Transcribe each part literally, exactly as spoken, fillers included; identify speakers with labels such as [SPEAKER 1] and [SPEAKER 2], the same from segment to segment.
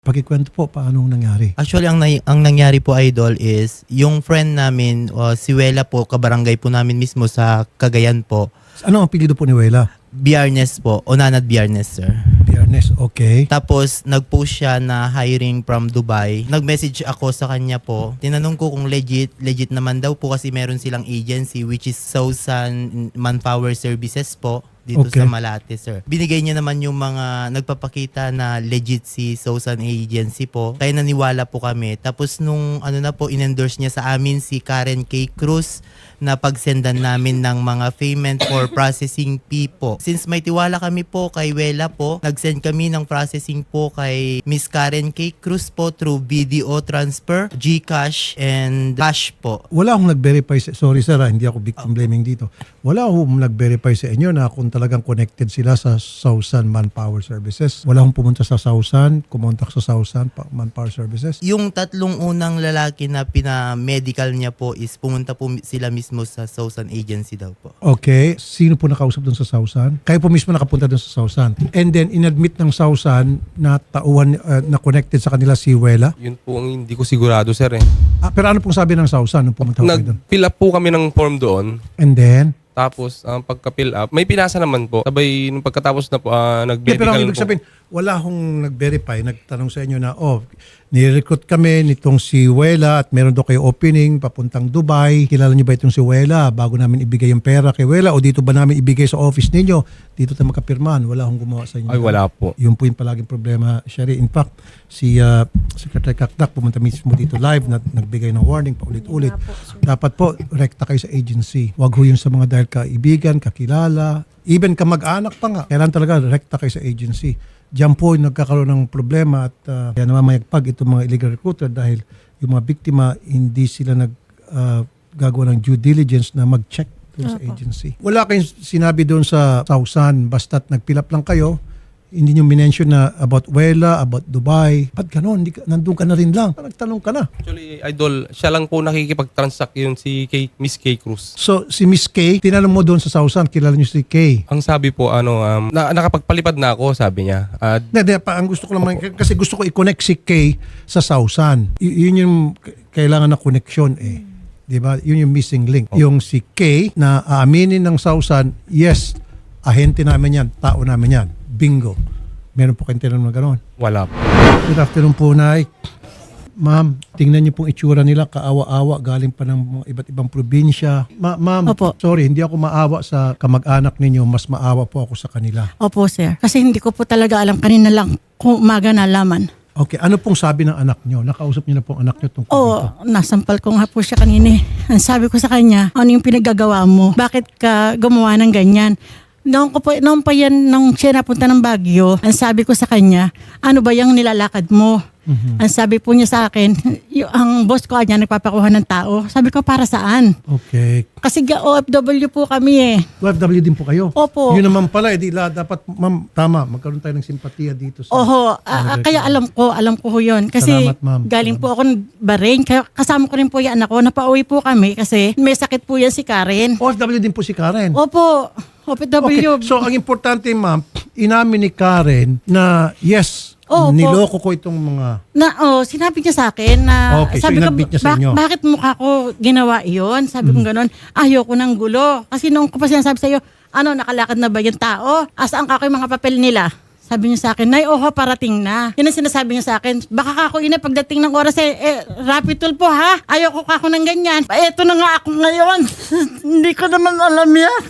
[SPEAKER 1] Pakikwento po, paano nangyari?
[SPEAKER 2] Actually, ang, nay- ang nangyari po, Idol, is yung friend namin, uh, si Wela po, kabarangay po namin mismo sa Cagayan po.
[SPEAKER 1] Ano ang apelyido po ni Wela?
[SPEAKER 2] Biyernes po, Onanad Biyernes, sir.
[SPEAKER 1] Biyernes, okay.
[SPEAKER 2] Tapos, nag-post siya na hiring from Dubai. Nag-message ako sa kanya po. Tinanong ko kung legit, legit naman daw po kasi meron silang agency which is Southern Manpower Services po dito
[SPEAKER 1] Okay.
[SPEAKER 2] sa Malate, sir. Binigay niya naman yung mga nagpapakita na legit si Southern Agency po. Kaya naniwala po kami. Tapos nung ano na po, in-endorse niya sa amin si Karen K. Cruz na pagsendan namin ng mga payment for processing fee po. Since may tiwala kami po kay Wela po, nag-send kami ng processing po kay Miss Karen K. Cruz po through B D O transfer, GCash, and Cash po.
[SPEAKER 1] Wala akong nag-verify sa, sorry sir, ah, hindi ako victim blaming dito. Wala akong nag-verify sa inyo na kung talagang connected sila sa Southern Manpower Services. Wala akong pumunta sa Southern, kumontak sa Southern Manpower Services.
[SPEAKER 2] Yung tatlong unang lalaki na pina-medical niya po is pumunta po sila mismo sa Southern Agency daw po.
[SPEAKER 1] Okay. Sino po nakausap doon sa Southern? Kayo po mismo nakapunta doon sa Southern. And then, inadmit ng Southern na tauhan, uh, na connected sa kanila si Wela.
[SPEAKER 3] Yun po ang hindi ko sigurado, sir eh.
[SPEAKER 1] Ah, pero ano pong sabi ng Southern nung pumunta ko kayo doon?
[SPEAKER 3] Nag-fill up po kami ng form doon.
[SPEAKER 1] And then?
[SPEAKER 3] Tapos, ang pagka-fill up, may pinasa naman po. Sabay, nung pagkatapos na po, uh,
[SPEAKER 1] Yeah,
[SPEAKER 3] nag-medical
[SPEAKER 1] pero ang ibig
[SPEAKER 3] po.
[SPEAKER 1] sabihin, wala akong nag-verify, nagtanong sa inyo na, oh, nire-recruit kami nitong si Wela at meron daw kayo opening papuntang Dubai. Kilala niyo ba itong si Wela bago namin ibigay yung pera kay Wela o dito ba namin ibigay sa office ninyo? Dito tayo makapirmahan. Wala akong gumawa sa inyo.
[SPEAKER 3] Ay, wala po.
[SPEAKER 1] Yun po yung palaging problema, Sherry. In fact, si uh, Secretary Kakdak pumunta mismo dito live na nagbigay ng warning paulit-ulit. Dapat po, rekta kayo sa agency. Huwag ho yun sa mga dahil kaibigan, kakilala, even kamag-anak pa nga. Kailan talaga rekta kayo sa agency. Diyan po yung nagkakaroon ng problema at uh, kaya namamayagpag itong mga illegal recruiter dahil yung mga biktima hindi sila nag uh, gagawa ng due diligence na mag-check doon sa agency. Wala kayong sinabi doon sa Southern basta't nag-fill up lang kayo. Hindi nyo minention na about Wela, about Dubai. Ba't ganon? Hindi ka, nandun ka na rin lang. Nagtanong ka na.
[SPEAKER 3] Actually, Idol, siya lang po nakikipag-transact yun si K, Miss K. Cruz.
[SPEAKER 1] So, si Miss K, tinanong mo doon sa Southern, kilala nyo si K.
[SPEAKER 3] Ang sabi po, ano, um, na, nakapagpalipad na ako, sabi niya. Uh,
[SPEAKER 1] Hindi, hindi, pa, ang gusto ko lang, kasi gusto ko i-connect si K sa Southern. Y- yun yung k- kailangan na connection eh. Di ba? Yun yung missing link. Yung si K na aaminin ng Southern, yes, ahente namin yan, tao namin yan. Bingo. Meron po kayong tinanong na gano'n.
[SPEAKER 3] wala po.
[SPEAKER 1] Good afternoon po, Nay. Ma'am, tingnan niyo pong itsura nila, kaawa-awa, galing pa ng mga iba't ibang probinsya. Ma- ma'am,
[SPEAKER 4] Opo.
[SPEAKER 1] sorry, hindi ako maawa sa kamag-anak ninyo, mas maawa po ako sa kanila.
[SPEAKER 4] Opo, sir. Kasi hindi ko po talaga alam. Kanina lang kung umaga nalaman.
[SPEAKER 1] Okay, ano pong sabi ng anak niyo? Nakausap niyo na pong anak niyo tungkol
[SPEAKER 4] Oo,
[SPEAKER 1] dito?
[SPEAKER 4] nasampal ko nga po siya kanina. eh. Ang sabi ko sa kanya, ano yung pinagagawa mo? Bakit ka gumawa ng ganyan? Noong, ko po, noong pa yan, nung siya napunta ng Baguio, ang sabi ko sa kanya, ano ba yung nilalakad mo?
[SPEAKER 1] Mhm.
[SPEAKER 4] Ang sabi po niya sa akin, yung, ang boss ko niya nagpapakuha ng tao. Sabi ko, para saan?
[SPEAKER 1] Okay.
[SPEAKER 4] Kasi ga- O F W po kami eh.
[SPEAKER 1] O F W din po kayo?
[SPEAKER 4] Opo.
[SPEAKER 1] Yun naman pala, edi la, dapat, ma'am, tama, magkaroon tayo ng simpatiya dito sa...
[SPEAKER 4] Oho, ah, ah, kaya alam ko, alam ko ho yun. Kasi
[SPEAKER 1] Salamat, ma'am.
[SPEAKER 4] galing po ako ng Bahrain, kaya kasama ko rin po yung anak ko, napauwi po kami kasi may sakit po yan si Karen.
[SPEAKER 1] O F W din po si Karen?
[SPEAKER 4] Opo, O F W.
[SPEAKER 1] Okay, so ang importante, ma'am, inamin ni Karen na yes,
[SPEAKER 4] Oo,
[SPEAKER 1] niloko ko itong mga...
[SPEAKER 4] Na, oh, sinabi niya sa akin na,
[SPEAKER 1] Okay, so
[SPEAKER 4] sabi ko,
[SPEAKER 1] inadmit niya sa
[SPEAKER 4] "Bak-
[SPEAKER 1] inyo."
[SPEAKER 4] bakit mukha ko ginawa iyon? Sabi ko gano'n, ayoko ng gulo. Kasi nung ko pa sinasabi sa'yo, ano, nakalakad na ba yung tao? Asaan ka ko yung mga papel nila? Sabi niya sa akin, Nay, oho, parating na. Yun ang sinasabi niya sa akin. Baka kako ina pagdating ng oras eh, eh rapid tool po ha. Ayoko kako ng ganyan. Eto na nga ako ngayon. Hindi ko naman alam yan.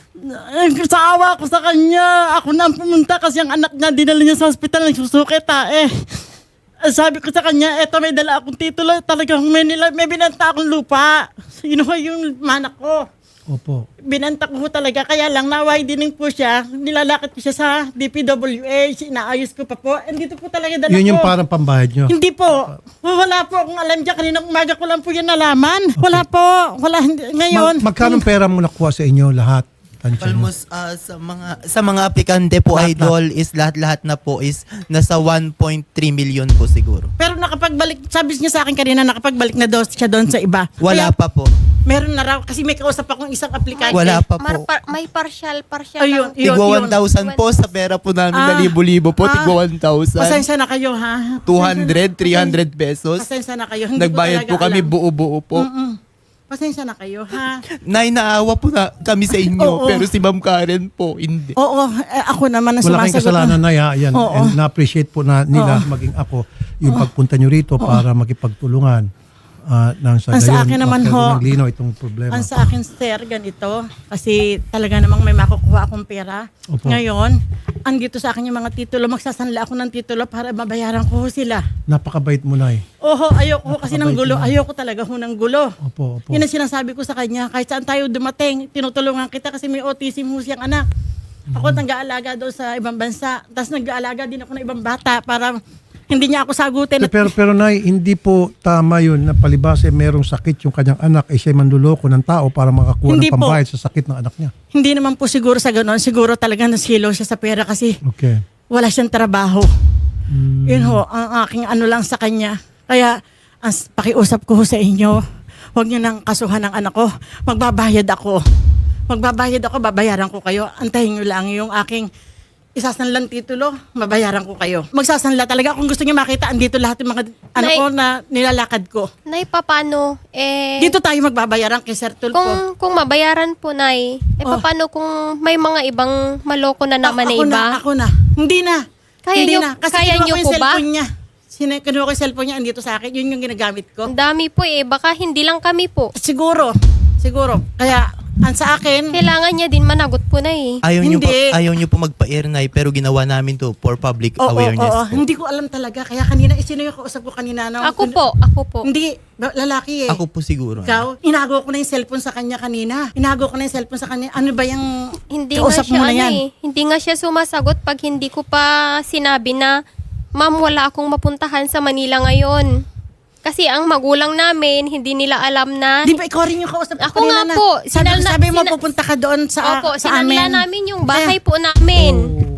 [SPEAKER 4] Eh, sa awa ko sa kanya, ako na ang pumunta kasi ang anak niya, dinala niya sa hospital, nagsusukit ha eh. Sabi ko sa kanya, eto may dala akong titulo, talagang may, nila, may binanta akong lupa. Sino yung manak ko?
[SPEAKER 1] Opo.
[SPEAKER 4] Binanta ko ho talaga, kaya lang na-widening po siya, nilalakad ko siya sa D P W A, inaayos ko pa po. Andito po talaga dala
[SPEAKER 1] Yun yung
[SPEAKER 4] ko.
[SPEAKER 1] parang pambayad nyo?
[SPEAKER 4] Hindi po. Wala po akong alam dyan. Kaninang umaga ko lang po yan nalaman. Wala po. Wala. Hindi. Ngayon.
[SPEAKER 1] Ma- magkano pera mo nakuha sa inyo lahat? Tansya nyo?
[SPEAKER 2] Almost uh, sa mga sa mga aplikante po,
[SPEAKER 1] Lahat,
[SPEAKER 2] Idol, is lahat-lahat na po is nasa one point three million po siguro.
[SPEAKER 4] Pero nakapagbalik, sabi niya sa akin kanina, nakapagbalik na daw siya doon sa iba.
[SPEAKER 2] Wala
[SPEAKER 4] Kaya-
[SPEAKER 2] pa po.
[SPEAKER 4] Meron na raw, kasi may kausap akong isang aplikante.
[SPEAKER 2] Wala pa
[SPEAKER 5] Mar-
[SPEAKER 2] po.
[SPEAKER 5] par- may partial, partial
[SPEAKER 4] Ayun,
[SPEAKER 5] lang.
[SPEAKER 4] yun.
[SPEAKER 2] Tigwa one thousand po sa pera po namin
[SPEAKER 4] Ah.
[SPEAKER 2] na libo-libo po.
[SPEAKER 4] Ah.
[SPEAKER 2] Tigwa one thousand.
[SPEAKER 4] Pasensya na kayo, ha?
[SPEAKER 2] two hundred, three hundred pesos.
[SPEAKER 4] Pasensya na kayo. Hindi
[SPEAKER 2] Nagbayad
[SPEAKER 4] ko
[SPEAKER 2] po kami
[SPEAKER 4] talaga alam.
[SPEAKER 2] buo-buo po.
[SPEAKER 4] Mm-mm. Pasensya na kayo, ha?
[SPEAKER 2] Nay, naawa po na kami sa inyo.
[SPEAKER 4] Oo.
[SPEAKER 2] Pero si Ma'am Karen po, hindi.
[SPEAKER 4] Oo, eh, ako naman ang
[SPEAKER 1] Wala kayong
[SPEAKER 4] sumasagot.
[SPEAKER 1] kasalanan na ya, yan.
[SPEAKER 4] Oo.
[SPEAKER 1] And na-appreciate po na nila maging ako yung pagpunta nyo rito para makipagtulungan uh, ng sa
[SPEAKER 4] Ang sa
[SPEAKER 1] gayon,
[SPEAKER 4] akin naman,
[SPEAKER 1] magkaroon
[SPEAKER 4] ho,
[SPEAKER 1] ng linaw itong problema.
[SPEAKER 4] Ang sa akin, sir, ganito. Kasi talaga namang may makukuha akong pera.
[SPEAKER 1] Opo.
[SPEAKER 4] Ngayon, andito sa akin yung mga titulo. Magsasanla ako ng titulo para mabayaran ko ho sila.
[SPEAKER 1] Napakabait mo na eh.
[SPEAKER 4] Oho, ayoko ho kasi ng gulo. Ayoko talaga ho ng gulo.
[SPEAKER 1] Opo, opo.
[SPEAKER 4] Yun ang sinasabi ko sa kanya. Kahit saan tayo dumating, tinutulungan kita kasi may autism ho siyang anak. Ako nag-aalaga doon sa ibang bansa. Tapos nag-aalaga din ako ng ibang bata para hindi niya ako sagutin. At
[SPEAKER 1] Pero, pero Nay, hindi po tama yun na palibasa eh, merong sakit yung kanyang anak ay siya manluloko ng tao para makakuha
[SPEAKER 4] Hindi
[SPEAKER 1] ng
[SPEAKER 4] po.
[SPEAKER 1] pambayad sa sakit ng anak niya.
[SPEAKER 4] hindi naman po siguro sa ganoon. Siguro talaga nasilo siya sa pera kasi
[SPEAKER 1] Okay.
[SPEAKER 4] wala siyang trabaho.
[SPEAKER 1] Mm.
[SPEAKER 4] Yun ho, ang aking ano lang sa kanya. Kaya, ang pakiusap ko ho sa inyo, huwag niyo nang kasuhan ng anak ko. Magbabayad ako. Magbabayad ako, babayaran ko kayo. Antahin niyo lang yung aking isasanlang titulo, mabayaran ko kayo. Magsasanla talaga. Kung gusto niyo makita, andito lahat yung mga ano
[SPEAKER 5] Nay-
[SPEAKER 4] ko na nilalakad ko.
[SPEAKER 5] Nay, papano? Eh,
[SPEAKER 4] Dito tayo magbabayaran kay Sir Tulfo.
[SPEAKER 5] kung, kung mabayaran po, Nay, eh,
[SPEAKER 4] Oh.
[SPEAKER 5] papano kung may mga ibang maloko na naman na
[SPEAKER 4] ako
[SPEAKER 5] iba?
[SPEAKER 4] na, ako na. Hindi na.
[SPEAKER 5] Kaya
[SPEAKER 4] Hindi
[SPEAKER 5] niyo-
[SPEAKER 4] na. Kasi
[SPEAKER 5] kaya
[SPEAKER 4] kinuha
[SPEAKER 5] niyo
[SPEAKER 4] ko yung
[SPEAKER 5] po ba?
[SPEAKER 4] cellphone niya. Sine, kinuha ko yung cellphone niya, andito sa akin. Yun yung ginagamit ko.
[SPEAKER 5] Ang dami po eh, baka hindi lang kami po.
[SPEAKER 4] Siguro. Siguro. Kaya, ang sa akin,
[SPEAKER 5] Kailangan niya din managot po na eh.
[SPEAKER 2] Ayaw niyo po,
[SPEAKER 4] Hindi.
[SPEAKER 2] ayaw niyo po magpa-air, Nay, pero ginawa namin to for public
[SPEAKER 4] oo,
[SPEAKER 2] awareness
[SPEAKER 4] oo,
[SPEAKER 2] po.
[SPEAKER 4] hindi ko alam talaga. Kaya kanina, eh, sino yung kausap ko kanina? Na,
[SPEAKER 5] Ako po, ako po.
[SPEAKER 4] Hindi, ba- lalaki eh.
[SPEAKER 2] Ako po siguro.
[SPEAKER 4] Ikaw, inago ko na yung cellphone sa kanya kanina. Inago ko na yung cellphone sa kanya. Ano ba yung
[SPEAKER 5] Hindi nga
[SPEAKER 4] kausap
[SPEAKER 5] siya
[SPEAKER 4] mo na
[SPEAKER 5] ano
[SPEAKER 4] yan?
[SPEAKER 5] eh, hindi nga siya sumasagot pag hindi ko pa sinabi na, Ma'am, wala akong mapuntahan sa Manila ngayon. Kasi ang magulang namin, hindi nila alam na...
[SPEAKER 4] Di ba ikaw rin yung kausap ko
[SPEAKER 5] Ako
[SPEAKER 4] kanina
[SPEAKER 5] nga
[SPEAKER 4] na?
[SPEAKER 5] po.
[SPEAKER 4] Sabi,
[SPEAKER 5] Sinal-
[SPEAKER 4] sabi mo,
[SPEAKER 5] sina-
[SPEAKER 4] pupunta ka doon sa,
[SPEAKER 5] Opo,
[SPEAKER 4] sa
[SPEAKER 5] sinanla
[SPEAKER 4] amin.
[SPEAKER 5] namin yung bahay po namin.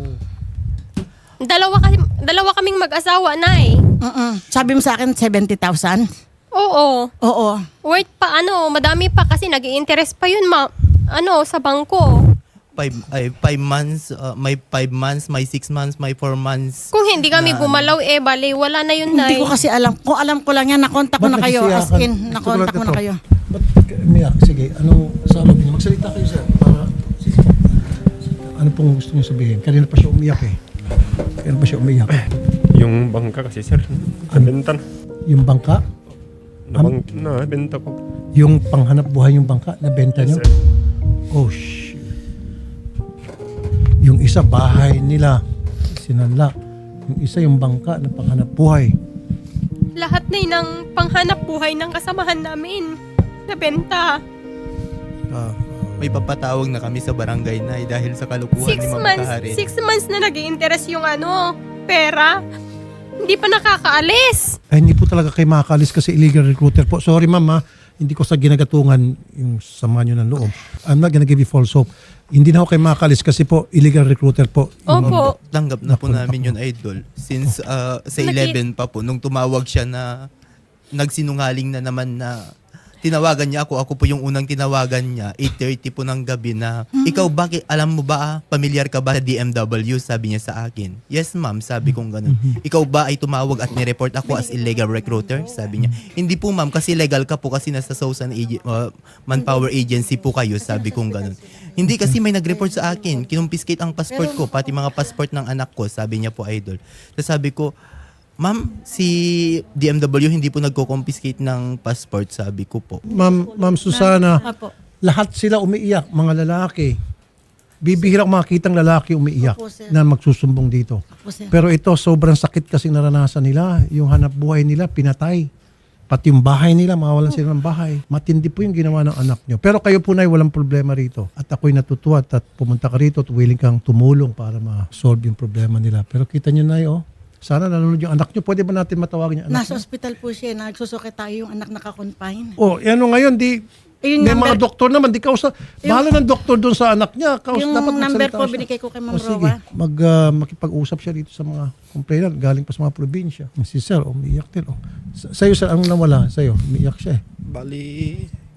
[SPEAKER 4] Oh.
[SPEAKER 5] Dalawa, kasi, dalawa kaming mag-asawa na eh.
[SPEAKER 4] Mm-mm. Sabi mo sa akin, seventy thousand?
[SPEAKER 5] Oo.
[SPEAKER 4] Oo.
[SPEAKER 5] Worth pa ano, madami pa kasi nag-i-interest pa yun ma ano sa bangko.
[SPEAKER 2] Five, ay, five months, uh, may five months, may six months, may four months.
[SPEAKER 5] Kung hindi kami
[SPEAKER 2] Na-
[SPEAKER 5] gumalaw eh, bale, wala na yun na
[SPEAKER 4] Hindi ko kasi alam. Kung alam ko lang yan, nakontak ko na kayo. As in, nakontak ko na kayo.
[SPEAKER 1] Ba't umiyak? Sige, ano sabi niyo? Magsalita kayo sir. Para, sige. Ano pong gusto niyo sabihin? Kanina pa siya umiyak eh. Kanina pa siya umiyak.
[SPEAKER 6] Yung bangka kasi sir, nabenta na.
[SPEAKER 1] Yung bangka,
[SPEAKER 6] Nabang, nabenta ko.
[SPEAKER 1] yung panghanap buhay yung bangka, nabenta niyo?
[SPEAKER 6] Yes, sir.
[SPEAKER 1] Oh, shit. Yung isa, bahay nila, sinanla. Yung isa, yung bangka na panghanap buhay.
[SPEAKER 5] lahat na yun ng panghanap buhay ng kasamahan namin. Nabenta.
[SPEAKER 1] Ah,
[SPEAKER 2] May papatawag na kami sa barangay, Nay, dahil sa kalukuhan
[SPEAKER 5] Six
[SPEAKER 2] ni Ma'am
[SPEAKER 5] months,
[SPEAKER 2] Karen.
[SPEAKER 5] six months na nag-i-interest yung ano, pera. Hindi pa nakakaalis.
[SPEAKER 1] ay, hindi po talaga kayo makakalis kasi illegal recruiter po. Sorry ma'am ha, hindi ko sa ginagatungan yung sama nyo ng loob. I'm not gonna give you false hope. Hindi na ako kayo makakalis kasi po illegal recruiter po. Yung-
[SPEAKER 5] Opo.
[SPEAKER 2] Tanggap na po
[SPEAKER 1] Napunta
[SPEAKER 2] namin
[SPEAKER 1] ko.
[SPEAKER 2] yun, Idol. Since uh, sa
[SPEAKER 5] Naki-
[SPEAKER 2] eleven pa po, nung tumawag siya na nagsinungaling na naman na tinawagan niya ako, ako po yung unang tinawagan niya, eight thirty po ng gabi na, ikaw bakit, alam mo ba, pamilyar ka ba sa D M W? Sabi niya sa akin. Yes ma'am, sabi kong ganun. Ikaw ba ay tumawag at nireport ako as illegal recruiter? Sabi niya. Hindi po ma'am, kasi legal ka po kasi nasa Southern Ag- uh, Manpower Agency po kayo, sabi kong ganun. Hindi kasi may nag-report sa akin, kinumpiskate ang passport ko, pati mga passport ng anak ko, sabi niya po, Idol. Tapos sabi ko, ma'am, si D M W hindi po nagko-confiscate ng passport, sabi ko po.
[SPEAKER 1] Ma'am, Ma'am Susana,
[SPEAKER 4] Apo.
[SPEAKER 1] lahat sila umiiyak, mga lalaki. Bibihira ko makitang lalaki umiiyak
[SPEAKER 4] Opo, sir.
[SPEAKER 1] na magsusumbong dito.
[SPEAKER 4] Apo, sir.
[SPEAKER 1] Pero ito, sobrang sakit kasi naranasan nila. Yung hanap buhay nila, pinatay. Pati yung bahay nila, mawalan sila ng bahay. Matindi po yung ginawa ng anak nyo. Pero kayo po na walang problema rito. At ako'y natutuwa at pumunta ka rito at willing kang tumulong para ma-solve yung problema nila. Pero kita nyo na oh. Sana nanonood yung anak nyo. Pwede ba natin matawagan yung anak
[SPEAKER 4] Nasa
[SPEAKER 1] nyo?
[SPEAKER 4] ospital po siya. Nagsusuki tayo yung anak naka-confine.
[SPEAKER 1] Oh, ano ngayon, di...
[SPEAKER 4] Yung
[SPEAKER 1] may
[SPEAKER 4] number-
[SPEAKER 1] mga doktor naman, di kausa. Bahala ng doktor doon sa anak niya. Kaus,
[SPEAKER 4] Yung
[SPEAKER 1] dapat
[SPEAKER 4] number
[SPEAKER 1] magsalita
[SPEAKER 4] po,
[SPEAKER 1] siya.
[SPEAKER 4] binigay ko kay Ma'am
[SPEAKER 1] O, sige,
[SPEAKER 4] Roa.
[SPEAKER 1] mag, ah, makipag-usap siya dito sa mga complainant galing pa sa mga probinsya. Si Sir, umiiyak din. Oh. Sa- Sa'yo, Sir, ang nawala? Sa'yo, umiiyak siya eh.
[SPEAKER 6] Bali,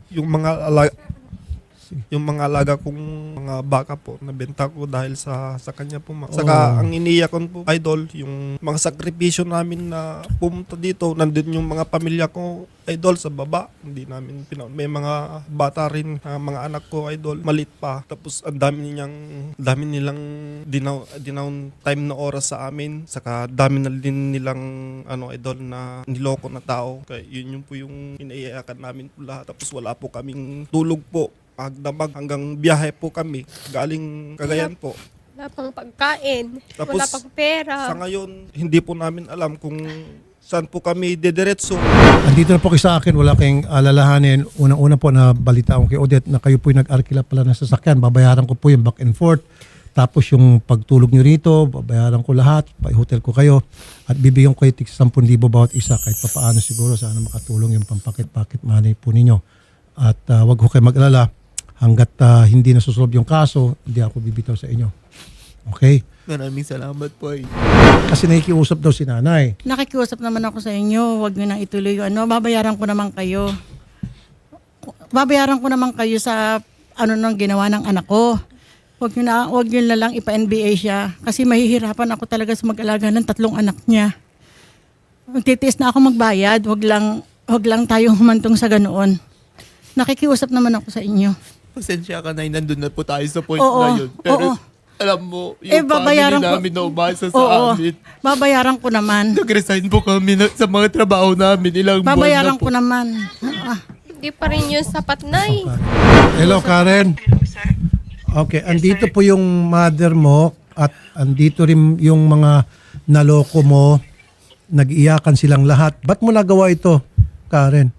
[SPEAKER 7] yung mga alaga, yung mga alaga kong mga baka po nabenta ko dahil sa sa kanya po. ma'am. Saka
[SPEAKER 1] Oh.
[SPEAKER 7] ang iniyak ko po, idol, yung mga sakripisyo namin na pumunta dito, nandun yung mga pamilya ko, idol, sa baba. Hindi namin pina- may mga bata rin, ah, mga anak ko, idol, malit pa. Tapos ang dami niyang dami nilang dinaw dinaw time na oras sa amin. Saka dami na din nilang ano, idol, na niloko na tao. Kaya yun yung po yung inaiyakan namin po lahat. Tapos wala po kaming tulog po. Magdamag hanggang biyahe po kami galing Cagayan po.
[SPEAKER 5] Wala pang pagkain.
[SPEAKER 7] Tapos,
[SPEAKER 5] wala pang pera.
[SPEAKER 7] Sa ngayon, hindi po namin alam kung saan po kami dediretso.
[SPEAKER 1] Andito na po kayo sa akin, wala kayong alalahanin. Unang-una po na balita ko kay Odette na kayo po yung nag-arkila pala ng sasakyan. Babayaran ko po yung back and forth. Tapos yung pagtulog nyo rito, babayaran ko lahat. Pa-hotel ko kayo. At bibigyan ko kayo tig ten thousand bawat isa. Kahit papaano siguro sana makatulong yung pampakit-pakit money po ninyo. At uh, wag ko kayo mag-alala. Hanggat uh, hindi nasusolve yung kaso, hindi ako bibitaw sa inyo. Okay?
[SPEAKER 2] Maraming salamat po eh.
[SPEAKER 1] Kasi nakikiusap daw si nanay.
[SPEAKER 4] Nakikiusap naman ako sa inyo, wag niyo nang ituloy yung ano, babayaran ko naman kayo. Babayaran ko naman kayo sa ano nang ginawa ng anak ko. Wag niyo na, wag niyo na lang ipa-N B A siya kasi mahihirapan ako talaga sa mag-alaga ng tatlong anak niya. Magtitiis na ako magbayad, wag lang wag lang tayo humantong sa ganoon. Nakikiusap naman ako sa inyo.
[SPEAKER 2] Pasensya ka na, nandun na po tayo sa point
[SPEAKER 4] Oo,
[SPEAKER 2] na yun. Pero
[SPEAKER 4] oo.
[SPEAKER 2] alam mo,
[SPEAKER 4] Eh,
[SPEAKER 2] yung
[SPEAKER 4] babayaran
[SPEAKER 2] family
[SPEAKER 4] ko-
[SPEAKER 2] namin na umasa sa
[SPEAKER 4] Oo,
[SPEAKER 2] amin.
[SPEAKER 4] babayaran ko naman.
[SPEAKER 2] Nag-resign po kami na, sa mga trabaho namin. Ilang buwan
[SPEAKER 4] Babayaran
[SPEAKER 2] na po.
[SPEAKER 4] ko naman. Ah,
[SPEAKER 5] Hindi pa rin yun sapat, Nay.
[SPEAKER 1] Hello, Karen. Okay, andito po yung mother mo at andito rin yung mga naloko mo. Nag-iyakan silang lahat. Ba't mo nagawa ito, Karen?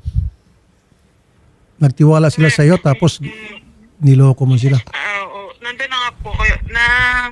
[SPEAKER 1] Nagtiwala sila sa iyo tapos niloko mo sila.
[SPEAKER 8] Ah, oo. Nandun na nga po kayo na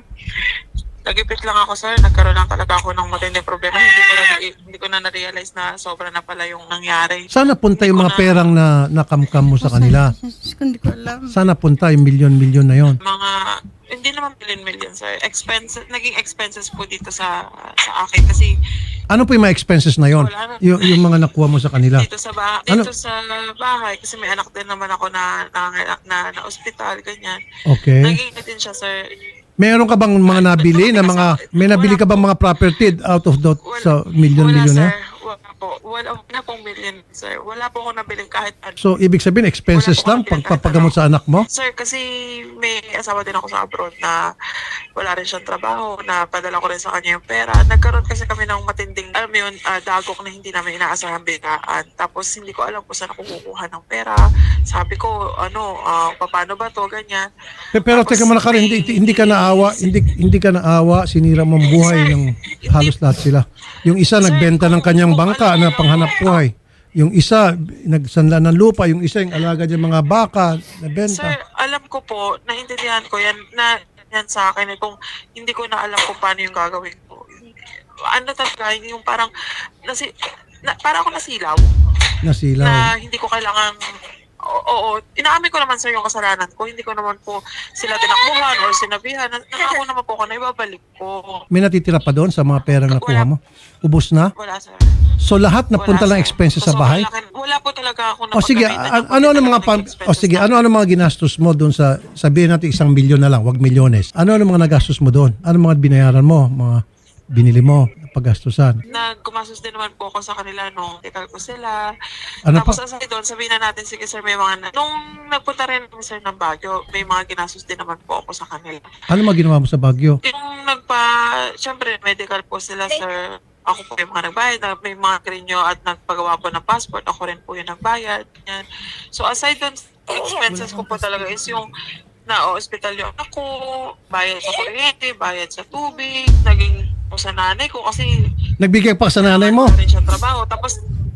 [SPEAKER 8] nagipit lang ako, sir. Nagkaroon lang talaga ako ng matinding problema. Hindi ko na, hindi ko na na-realize na sobra na pala yung nangyari.
[SPEAKER 1] Sana punta yung mga perang na nakamkam mo sa kanila.
[SPEAKER 4] Diyos ko, hindi ko alam.
[SPEAKER 1] Sana punta yung milyon-milyon na yon.
[SPEAKER 8] Mga, hindi naman million-million, sir. Expenses, naging expenses po dito sa sa akin. Kasi
[SPEAKER 1] Ano po yung mga expenses na yon?
[SPEAKER 8] Wala na.
[SPEAKER 1] Yung, yung mga nakuha mo sa kanila.
[SPEAKER 8] dito sa bahay,
[SPEAKER 1] Ano?
[SPEAKER 8] dito sa bahay, kasi may anak din naman ako na na, na, na ospital, ganyan.
[SPEAKER 1] Okay.
[SPEAKER 8] Naging din siya, sir.
[SPEAKER 1] Meron ka bang mga nabili na mga, may nabili ka bang mga property out of the sa milyon-milyon na
[SPEAKER 8] Wala,
[SPEAKER 1] yan?
[SPEAKER 8] sir. Wala po. Wala, wala pong million, sir. Wala po ako nabiling kahit ano.
[SPEAKER 1] So, ibig sabihin, expenses lang pagpapagamot sa anak mo?
[SPEAKER 8] Sir, kasi may asawa din ako sa abroad na wala rin siyang trabaho, na padala ko rin sa kanya yung pera. Nagkaroon kasi kami ng matinding, alam mo yun, ah, dagok na hindi namin inaasahan bigaan. Tapos hindi ko alam kung saan ako kukuha ng pera. Sabi ko, ano, ah, paano ba to, ganyan.
[SPEAKER 1] Pero, pero
[SPEAKER 8] Tapos
[SPEAKER 1] teka muna Karen, hindi,
[SPEAKER 8] may-
[SPEAKER 1] hindi ka naawa, hindi, hindi ka naawa, sinira mo ang buhay ng halos lahat sila. Yung isa nagbenta ng kanyang bangka na panghanap buhay. Yung isa nagsanla ng lupa, yung isa yung alaga ng mga baka na
[SPEAKER 8] Sir,
[SPEAKER 1] benta.
[SPEAKER 8] alam ko po, naintindihan ko yan, na yan sa akin, eh, kung hindi ko na alam kung paano yung gagawin ko. Ano talaga, yung parang, nasi, na, parang ako nasilaw,
[SPEAKER 1] Nasilaw.
[SPEAKER 8] na hindi ko kailangan, oo, oo, inaamin ko naman, sir, yung kasalanan ko, hindi ko naman po sila tinakbuhan or sinabihan, na, ako naman po ko na ibabalik ko.
[SPEAKER 1] May natitira pa doon sa mga perang nakuha mo? Ubus na?
[SPEAKER 8] Wala, sir.
[SPEAKER 1] So lahat napunta
[SPEAKER 8] Wala,
[SPEAKER 1] lang
[SPEAKER 8] sir.
[SPEAKER 1] expenses sa
[SPEAKER 8] So,
[SPEAKER 1] bahay?
[SPEAKER 8] malaki- wala po talaga ako
[SPEAKER 1] O sige,
[SPEAKER 8] napagkamitan
[SPEAKER 1] a-
[SPEAKER 8] ng
[SPEAKER 1] ano ano mga
[SPEAKER 8] talaga
[SPEAKER 1] pam-
[SPEAKER 8] ng
[SPEAKER 1] o
[SPEAKER 8] expenses
[SPEAKER 1] sige,
[SPEAKER 8] namin.
[SPEAKER 1] ano ano mga ginastos mo doon sa sabihin natin isang milyon na lang, wag milyones. Ano ano mga nagastos mo doon? Ano mga binayaran mo, mga binili mo, paggastusan?
[SPEAKER 8] Nagkumasos din naman po ako sa kanila nung tikal ko sila.
[SPEAKER 1] Ano
[SPEAKER 8] Tapos
[SPEAKER 1] pa?
[SPEAKER 8] aside doon, sabihin na natin, sige sir, may mga, na- nung nagpunta rin kami sir ng Baguio, may mga ginastos din naman po ako sa kanila.
[SPEAKER 1] Ano mga ginawa mo sa Baguio?
[SPEAKER 8] Yung nagpa, syempre medical po sila sir. Ako po yung mga nagbayad, na- may mga renew at nagpagawa po ng passport, ako rin po yung nagbayad. Yan. So aside doon, expenses ko po talaga is yung na-hospital yung anak ko, bayad sa kuryente, bayad sa tubig, naging po sa nanay ko kasi
[SPEAKER 1] Nagbigay pa sa nanay mo?
[SPEAKER 8] wala rin siya trabaho. Tapos,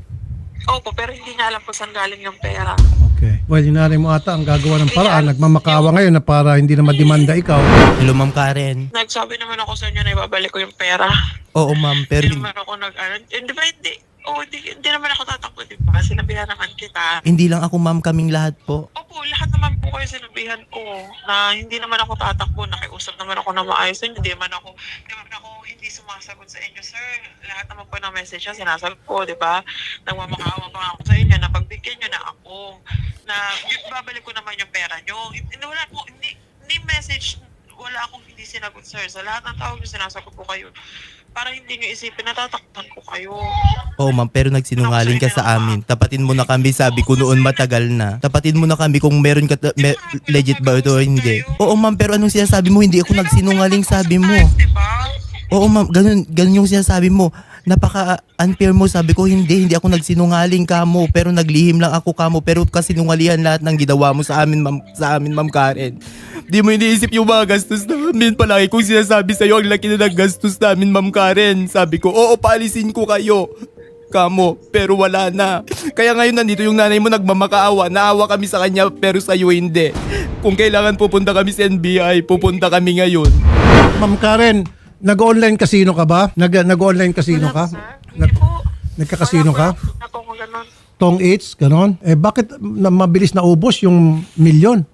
[SPEAKER 8] opo, pero hindi niya alam kung saan galing yung pera.
[SPEAKER 1] Okay. Well, yung nanay mo ata ang gagawa ng paraan. Nagmamakawa ngayon na para hindi na madimanda ikaw.
[SPEAKER 2] Hello, Ma'am Karen.
[SPEAKER 8] Nagsabi naman ako sa inyo na ibabalik ko yung pera.
[SPEAKER 2] Oo, ma'am. Pero
[SPEAKER 8] Hindi naman ako nag, ano, hindi ba hindi? Oo, hindi, hindi naman ako tatakbo, di ba? Sinabihan naman kita.
[SPEAKER 2] hindi lang ako, ma'am, kaming lahat po.
[SPEAKER 8] Opo, lahat naman po kayo sinabihan ko na hindi naman ako tatakbo, nakiusap naman ako na maayos sa inyo. Hindi naman ako, hindi naman ako hindi sumasagot sa inyo, sir. Lahat naman po ng message niya, sinasagot ko, di ba? Nagmamakaawa pa ako sa inyo na pagbigyan niyo na ako, na na babalik ko naman yung pera nyo. Hindi, wala po, hindi, hindi message, wala akong hindi sinagot, sir. Sa lahat ng tawag nyo, sinasagot ko kayo. Para hindi nyo isipin, natataktan ko kayo.
[SPEAKER 2] Oo ma'am, pero nagsinungaling ka sa amin. Tapatin mo na kami, sabi ko noon matagal na. Tapatin mo na kami kung meron ka, ta- me- legit ba ito o hindi. Oo ma'am, pero anong sinasabi mo? Hindi ako nagsinungaling, sabi mo.
[SPEAKER 8] Diba?
[SPEAKER 2] Oo ma'am, ganun, ganun yung sinasabi mo. Napaka-unfair mo, sabi ko hindi, hindi ako nagsinungaling kamo, pero naglihim lang ako kamo, pero kasinungalihan lahat ng ginawa mo sa amin, ma'am, sa amin, ma'am Karen. Di mo iniisip yung mga gastos namin. Palagi kong sinasabi sa'yo, ang laki na ng gastos namin, ma'am Karen. Sabi ko, oo, paalisin ko kayo. Kamo, pero wala na. Kaya ngayon nandito yung nanay mo nagmamakaawa. Naawa kami sa kanya, pero sa'yo hindi. Kung kailangan pupunta kami sa N B I, pupunta kami ngayon.
[SPEAKER 1] Ma'am Karen, nag-online casino ka ba? Nag- nag-online casino ka?
[SPEAKER 8] Hindi
[SPEAKER 1] Nag-
[SPEAKER 8] po.
[SPEAKER 1] nagka-casino ka?
[SPEAKER 8] Wala po akong ganun.
[SPEAKER 1] Tong eights, ganon? Eh bakit na mabilis na ubos yung milyon?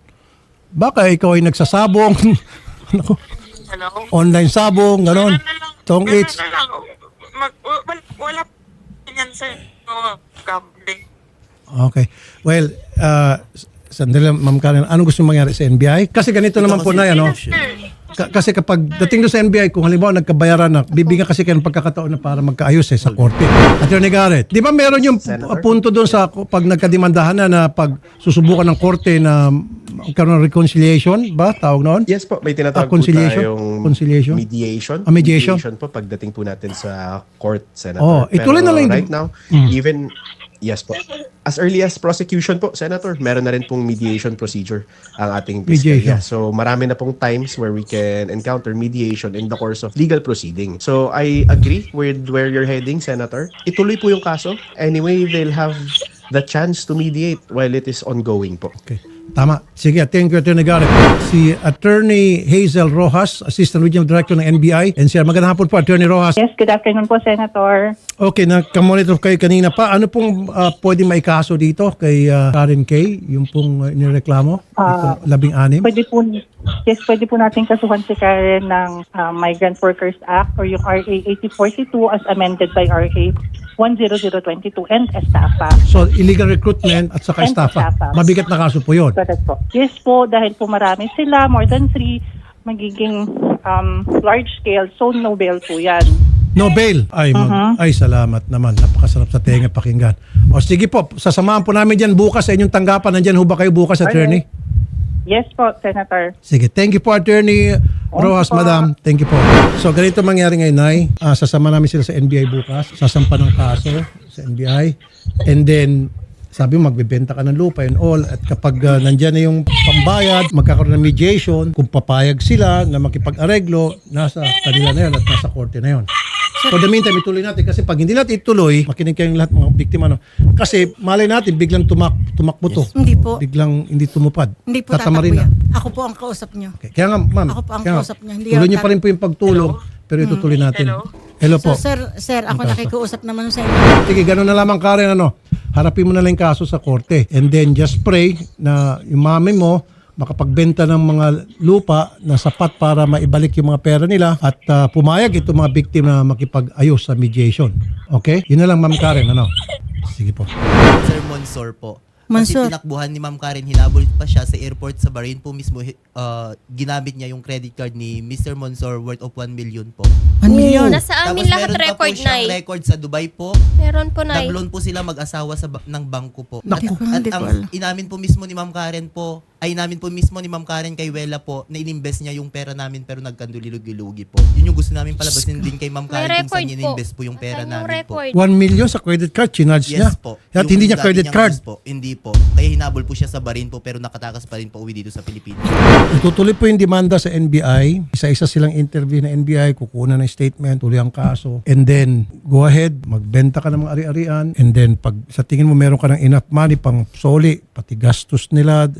[SPEAKER 1] Baka ikaw ay nagsasabong, ano,
[SPEAKER 8] Hello?
[SPEAKER 1] online sabong, ganon.
[SPEAKER 8] Ganun na lang.
[SPEAKER 1] Tong
[SPEAKER 8] Ganun
[SPEAKER 1] eights.
[SPEAKER 8] na lang. Mag, wala, wala po yan, sir. No, gambling.
[SPEAKER 1] Okay. Well, uh, sandali lang, Ma'am Karen, ano gusto mangyari sa N B I? Kasi ganito naman po na, ano? Ka- kasi kapag dating doon sa N B I, kung halimbawa nagkabayaran na, bibigyan kasi kayo ng pagkakataon na para magkaayos eh, sa korte. Attorney Garrett, di ba meron yung pu- punto doon sa pag nagkadimandahan na na pag susubukan ng korte na magkaroon ng reconciliation ba? Tawag noon?
[SPEAKER 9] Yes po, may tinatawag
[SPEAKER 1] Ah, conciliation?
[SPEAKER 9] po tayong
[SPEAKER 1] Conciliation?
[SPEAKER 9] mediation.
[SPEAKER 1] Ah, mediation?
[SPEAKER 9] po pagdating po natin sa court, Senator.
[SPEAKER 1] Oh, ituloy na lang yung-
[SPEAKER 9] right now, even, yes po, as early as prosecution po, Senator, meron na rin pong mediation procedure ang ating
[SPEAKER 1] Mediation.
[SPEAKER 9] piskalya. So marami na pong times where we can encounter mediation in the course of legal proceeding. So I agree with where you're heading, Senator. Ituloy po yung kaso. Anyway, they'll have the chance to mediate while it is ongoing po.
[SPEAKER 1] Okay. Tama. Sige, thank you, Attorney Garrett. Si Attorney Hazel Rojas, Assistant Regional Director ng N B I. N C R, magandang hapon po, Attorney Rojas.
[SPEAKER 10] Yes, good afternoon po, Senator.
[SPEAKER 1] Okay, nakamonitor kayo kanina pa. Ano pong uh, pwedeng maikaso dito kay uh, Karen Kay, yung pong uh, nireklamo?
[SPEAKER 10] Ah,
[SPEAKER 1] Itong labing-anim?
[SPEAKER 10] Pwede po, yes, pwede po natin kasuhan si Karen ng ah, Migrant Workers Act or yung R A eighty forty-two as amended by R A one thousand twenty-two and estafa.
[SPEAKER 1] So, illegal recruitment at saka
[SPEAKER 10] And
[SPEAKER 1] estafa.
[SPEAKER 10] estafa.
[SPEAKER 1] Mabigat na kaso po yun.
[SPEAKER 10] Correct po. Yes po, dahil po marami sila, more than three, magiging um, large scale, so no bail po yan.
[SPEAKER 1] No bail. Ay, mag- ay, salamat naman. Napakasarap sa tenga pakinggan. O sige po, sasamahan po namin dyan bukas sa inyong tanggapan. Nandyan ho ba kayo bukas, Attorney?
[SPEAKER 10] Yes po, Senator.
[SPEAKER 1] Sige, thank you po, Attorney Rojas,
[SPEAKER 10] po.
[SPEAKER 1] Madam. Thank you po. So, ganito mangyari ngayon, Nay. Ah, sasama namin sila sa N B I bukas. Sasampa ng kaso sa N B I. And then, sabi mo, magbebenta ka ng lupa and all. At kapag uh, nandyan na yung pambayad, magkakaroon ng mediation, kung papayag sila na makipag-areglo, nasa kanila na yun at nasa korte na yun. So, the meantime, ituloy natin. Kasi pag hindi natin ituloy, makinig kayong lahat mga biktima. No? Kasi malay natin, biglang tumak tumakbo to.
[SPEAKER 4] Hindi po.
[SPEAKER 1] Biglang hindi tumupad.
[SPEAKER 4] Hindi po tatakbo
[SPEAKER 1] Tatamarin na.
[SPEAKER 4] yan. Ako po ang kausap nyo.
[SPEAKER 1] Okay. Kaya nga, ma'am.
[SPEAKER 4] Ako po ang
[SPEAKER 1] kaya nga,
[SPEAKER 4] kausap niya, hindi
[SPEAKER 1] tuloy
[SPEAKER 4] ako
[SPEAKER 1] niyo pa rin po yung pagtulong, pero itutuloy natin.
[SPEAKER 8] Hello?
[SPEAKER 1] Hello po.
[SPEAKER 4] So, sir, sir, ako
[SPEAKER 1] Ang kaso.
[SPEAKER 4] nakikiusap naman sa inyo.
[SPEAKER 1] Sige, ganun na lamang, Karen, ano. Harapin mo na lang yung kaso sa korte. And then just pray na yung mami mo makapagbenta ng mga lupa na sapat para maibalik yung mga pera nila at uh, pumayag itong mga biktima na makipag-ayos sa mediation. Okay? Yun na lang, Ma'am Karen, ano. Sige po.
[SPEAKER 2] Sir Monsor po.
[SPEAKER 4] Monsor.
[SPEAKER 2] Kasi tinakbuhan ni Ma'am Karen, hinabol pa siya sa airport sa Bahrain po mismo. Uh, ginamit niya yung credit card ni Mister Monsor worth of one million po.
[SPEAKER 4] One million.
[SPEAKER 5] Nasa amin lahat
[SPEAKER 2] meron pa po
[SPEAKER 5] record,
[SPEAKER 2] siyang
[SPEAKER 5] Nay.
[SPEAKER 2] record sa Dubai po.
[SPEAKER 5] Meron po, Nay.
[SPEAKER 2] Nag-loan po sila mag-asawa sa ba- ng bangko po.
[SPEAKER 1] Naku.
[SPEAKER 2] At,
[SPEAKER 4] Hindi
[SPEAKER 2] at
[SPEAKER 4] ko
[SPEAKER 2] ang
[SPEAKER 4] alam.
[SPEAKER 2] inamin po mismo ni Ma'am Karen po, ay inamin po mismo ni Ma'am Karen kay Wela po na ininvest niya yung pera namin pero nagkandulilog-ilugi po. Yun yung gusto namin palabasin din kay Ma'am
[SPEAKER 5] May
[SPEAKER 2] Karen kung
[SPEAKER 5] record
[SPEAKER 2] saan
[SPEAKER 5] po.
[SPEAKER 2] ininvest po yung pera
[SPEAKER 5] Nasaan yung
[SPEAKER 2] namin po.
[SPEAKER 5] record?
[SPEAKER 1] One million sa credit card, chinarge niya.
[SPEAKER 2] Yes po.
[SPEAKER 1] At
[SPEAKER 2] Yung
[SPEAKER 1] hindi niya
[SPEAKER 2] dati
[SPEAKER 1] credit
[SPEAKER 2] niyang
[SPEAKER 1] card.
[SPEAKER 2] use po, hindi po. Kaya hinabol po siya sa Bahrain po pero nakatakas pa rin po uwi dito sa Pilipinas.
[SPEAKER 1] Itutuloy po yung demanda sa N B I. Isa-isa silang interview ng N B I, kukuha ng statement, tuloy ang kaso. And then, go ahead, magbenta ka ng mga ari-arian. And then, pag sa tingin mo meron ka ng enough money pang soli, pati gastos nila, sabi nila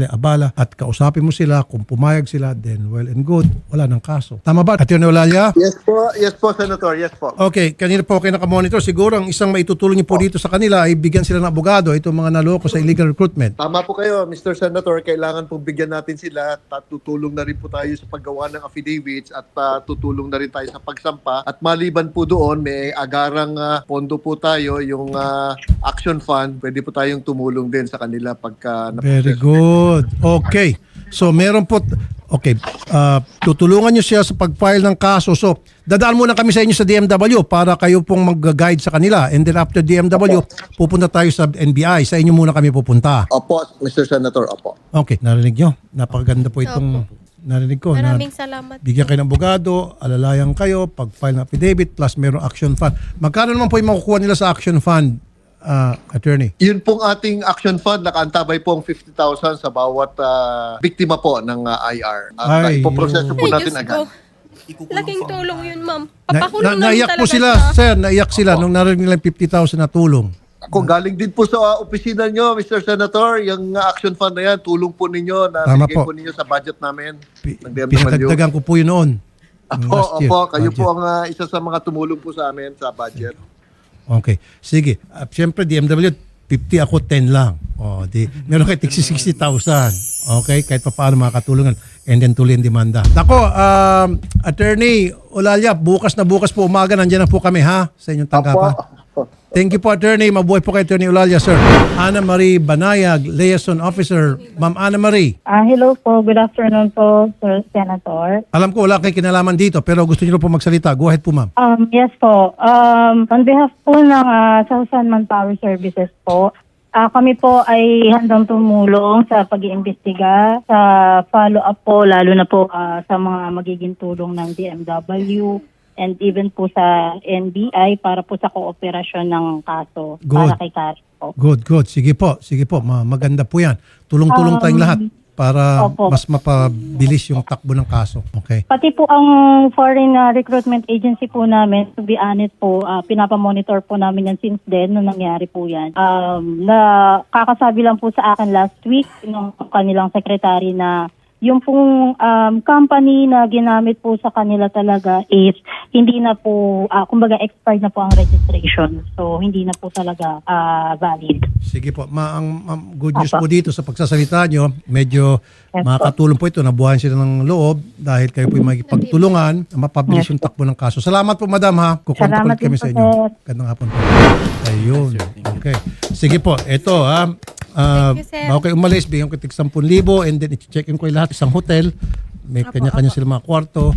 [SPEAKER 1] nila abala at kausapin mo sila. Kung pumayag sila, then well and good. Wala ng kaso. Tama ba, Atty. Eulalia?
[SPEAKER 11] Yes po, yes po, Senator, yes po.
[SPEAKER 1] Okay, kanina po kayo nakamonitor. Siguro ang isang maitutulong niyo po dito sa kanila ay bigyan sila ng abogado, itong mga naloko sa illegal recruitment.
[SPEAKER 11] Tama po kayo, Mister Senator, kailangan pong bigyan natin sila at tutulong na rin po tayo sa paggawa ng affidavits at uh, tutulong na rin tayo sa pagsampa. At maliban po doon, may agarang uh, pondo po tayo, yung uh, Action Fund, pwede po tayong tumulong din sa kanila pagka
[SPEAKER 1] Very good. Okay. So meron po, okay, uh, tutulungan nyo siya sa pag-file ng kaso. So dadaan muna kami sa inyo sa D M W para kayo pong mag-guide sa kanila. And then after D M W, pupunta tayo sa N B I. Sa inyo muna kami pupunta.
[SPEAKER 11] Opo, Mister Senator, opo.
[SPEAKER 1] Okay, narinig nyo. Napakaganda po itong narinig ko. Na
[SPEAKER 5] Maraming salamat.
[SPEAKER 1] bigyan kayo ng abogado, alalayan kayo, pag-file ng affidavit, plus meron action fund. Magkano naman po yung makukuha nila sa action fund, uh, attorney?
[SPEAKER 11] Yun pong ating Action Fund, nakaantabay po ang fifty thousand sa bawat uh, biktima po ng uh, I R. At uh,
[SPEAKER 1] Ay,
[SPEAKER 11] ipoproseso po
[SPEAKER 5] Ay,
[SPEAKER 11] natin
[SPEAKER 5] Diyos
[SPEAKER 11] agad.
[SPEAKER 5] ko. Laking tulong yun, ma'am.
[SPEAKER 1] Na,
[SPEAKER 5] Papakulong
[SPEAKER 1] na,
[SPEAKER 5] na,
[SPEAKER 1] naiyak
[SPEAKER 5] talaga
[SPEAKER 1] po sila,
[SPEAKER 5] siya.
[SPEAKER 1] sir, naiyak sila nung narinig nila yung fifty thousand na tulong.
[SPEAKER 11] Ako, galing din po sa uh, opisina nyo, Mister Senator, yung uh, Action Fund na yan, tulong po ninyo, na
[SPEAKER 1] Tama
[SPEAKER 11] bigay
[SPEAKER 1] po.
[SPEAKER 11] po ninyo sa budget namin.
[SPEAKER 1] Pi-
[SPEAKER 11] ng D M W.
[SPEAKER 1] Pinatagdagan ko po yun noon. Yung
[SPEAKER 11] Opo,
[SPEAKER 1] last year,
[SPEAKER 11] opo, kayo
[SPEAKER 1] budget.
[SPEAKER 11] po ang uh, isa sa mga tumulong po sa amin sa budget.
[SPEAKER 1] Okay. Sige. Uh, Siyempre, D M W, fifty ako, ten lang. O, di, meron kayo tigsi sixty thousand. Okay? Kahit pa paano makakatulungan. And then tuloy ang demanda. Nako, um, Attorney Eulalia, bukas na bukas po umaga, nandiyan na po kami ha, sa inyong tanggapan. Thank you po, Attorney. Mabuhay po kay Attorney Eulalia, sir. Ana Marie Banayag, Liaison Officer. Ma'am Ana Marie,
[SPEAKER 10] Ah, hello po. Good afternoon po, Sir Senator.
[SPEAKER 1] alam ko wala kayong kinalaman dito, pero gusto niyo po magsalita. Go ahead po, ma'am.
[SPEAKER 10] Um, yes po. Um, on behalf po ng uh, Southern Manpower Services po, ah, kami po ay handang tumulong sa pag-iimbestiga, sa follow-up po, lalo na po ah, sa mga magiging tulong ng D M W and even po sa N B I para po sa kooperasyon ng kaso
[SPEAKER 1] Good.
[SPEAKER 10] para kay Karen po.
[SPEAKER 1] Good, good. Sige po, sige po. Ma- maganda po yan. Tulong-tulong tayong
[SPEAKER 10] Um,
[SPEAKER 1] lahat para
[SPEAKER 10] opo.
[SPEAKER 1] mas mapabilis yung takbo ng kaso. Okay?
[SPEAKER 10] Pati po ang foreign uh, recruitment agency po namin, to be honest po, uh, pinapamonitor po namin yan since then, nung nangyari po yan. Um, na kakasabi lang po sa akin last week, nung kanilang secretary na yung pong um, company na ginamit po sa kanila talaga is hindi na po, uh, kumbaga expired na po ang registration. So, hindi na po talaga uh, valid.
[SPEAKER 1] Sige po. Ma ang, ang good news
[SPEAKER 10] Opo.
[SPEAKER 1] po dito sa pagsasalita nyo, medyo
[SPEAKER 10] Yes,
[SPEAKER 1] makakatulong po ito. Nabuhayan sila ng loob dahil kayo po yung magpagtulungan na mapabilis
[SPEAKER 10] Yes,
[SPEAKER 1] yung takbo ng kaso. Salamat po, madam ha. Kukontak
[SPEAKER 10] Salamat
[SPEAKER 1] ulit kami
[SPEAKER 10] din
[SPEAKER 1] sa
[SPEAKER 10] po,
[SPEAKER 1] inyo.
[SPEAKER 10] sir.
[SPEAKER 1] Gandang hapon po. Ayun. Okay. Sige po. Ito ha. Uh,
[SPEAKER 5] Thank you, sir.
[SPEAKER 1] bago kayo umalis, bigyan ko tig ten thousand and then i-check-in ko yung lahat isang hotel. May kanya-kanya sila mga kwarto,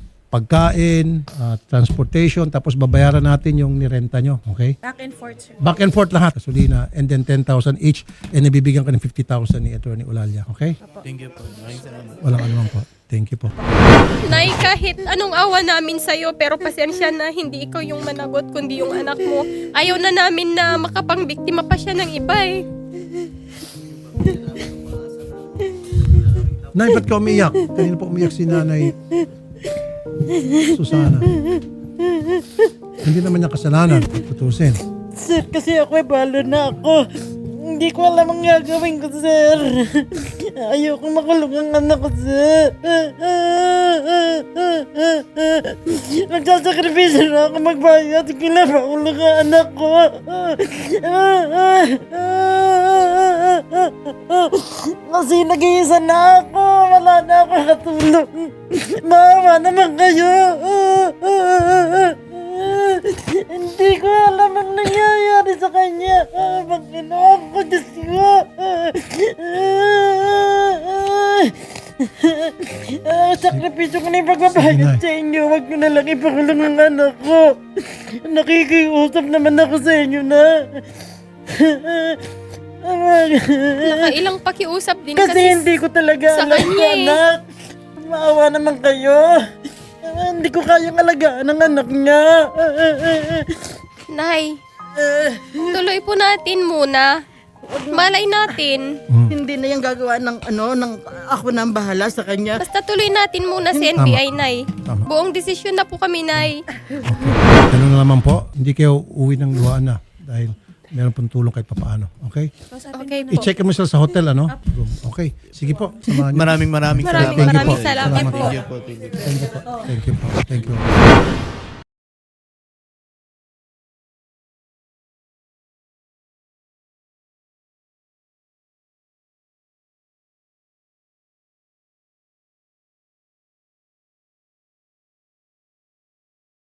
[SPEAKER 1] pagkain, uh, transportation, tapos babayaran natin yung nirenta nyo. Okay?
[SPEAKER 4] Back and forth, sir.
[SPEAKER 1] Back and forth lahat. Gasolina and then ten thousand each and nabibigyan ka ng fifty thousand ni Attorney Eulalia. Okay?
[SPEAKER 2] Thank you po. Maraming salamat.
[SPEAKER 1] Walang anuman po. Thank you po.
[SPEAKER 5] Nay, kahit anong awa namin sa'yo, pero pasensya na hindi ikaw yung managot, kundi yung anak mo. Ayaw na namin na makapangbiktima pa siya ng iba eh.
[SPEAKER 1] Nay, ba't ka umiyak? Kanina po umiyak si Nanay Susana. Hindi naman niya kasalanan. Tutusin.
[SPEAKER 4] Sir, kasi ako ay balo na ako. Hindi ko alam ang gagawin ko, sir. Ayoko makulong ang anak ko, sir. Nagsasakripisyo na ako magbayad. Kinapakulong ang anak ko. Kasi nag-iisa na ako. Wala na ako katulong. Maawa naman kayo. Hindi ko alam ang nangyayari sa kanya. Panginoon ko, Diyos ko. Ah, sakripisyo ko na yung pagbabayad sa inyo. Huwag nyo na lang ipakulong ang anak ko. Nakikiusap naman ako sa inyo na.
[SPEAKER 5] Nakailang pakiusap din
[SPEAKER 4] Kasi
[SPEAKER 5] kasi,
[SPEAKER 4] hindi ko talaga
[SPEAKER 5] sa
[SPEAKER 4] alam ko,
[SPEAKER 5] kanya eh.
[SPEAKER 4] anak. Maawa naman kayo. Ah, hindi ko kayang alagaan ang anak niya.
[SPEAKER 5] Nay, tuloy po natin muna. Malay natin.
[SPEAKER 4] Hindi na yung gagawa ng ano, ng ako nang bahala sa kanya.
[SPEAKER 5] Basta tuloy natin muna si N B I, Nay.
[SPEAKER 1] Tama.
[SPEAKER 5] Buong desisyon na po kami, Nay.
[SPEAKER 1] Ganun na naman po. Hindi kayo uwi ng luhaan na. Dahil meron pong tulong kahit papaano. Okay?
[SPEAKER 5] Okay po.
[SPEAKER 1] I-check mo sila sa hotel, ano? Room. Okay. Sige po. Samahan niyo.
[SPEAKER 2] Maraming maraming
[SPEAKER 5] Maraming
[SPEAKER 1] Thank you
[SPEAKER 5] maraming
[SPEAKER 1] po.
[SPEAKER 5] salamat
[SPEAKER 1] Salamat
[SPEAKER 5] po.
[SPEAKER 1] po. Thank you po. Thank you po. Thank you.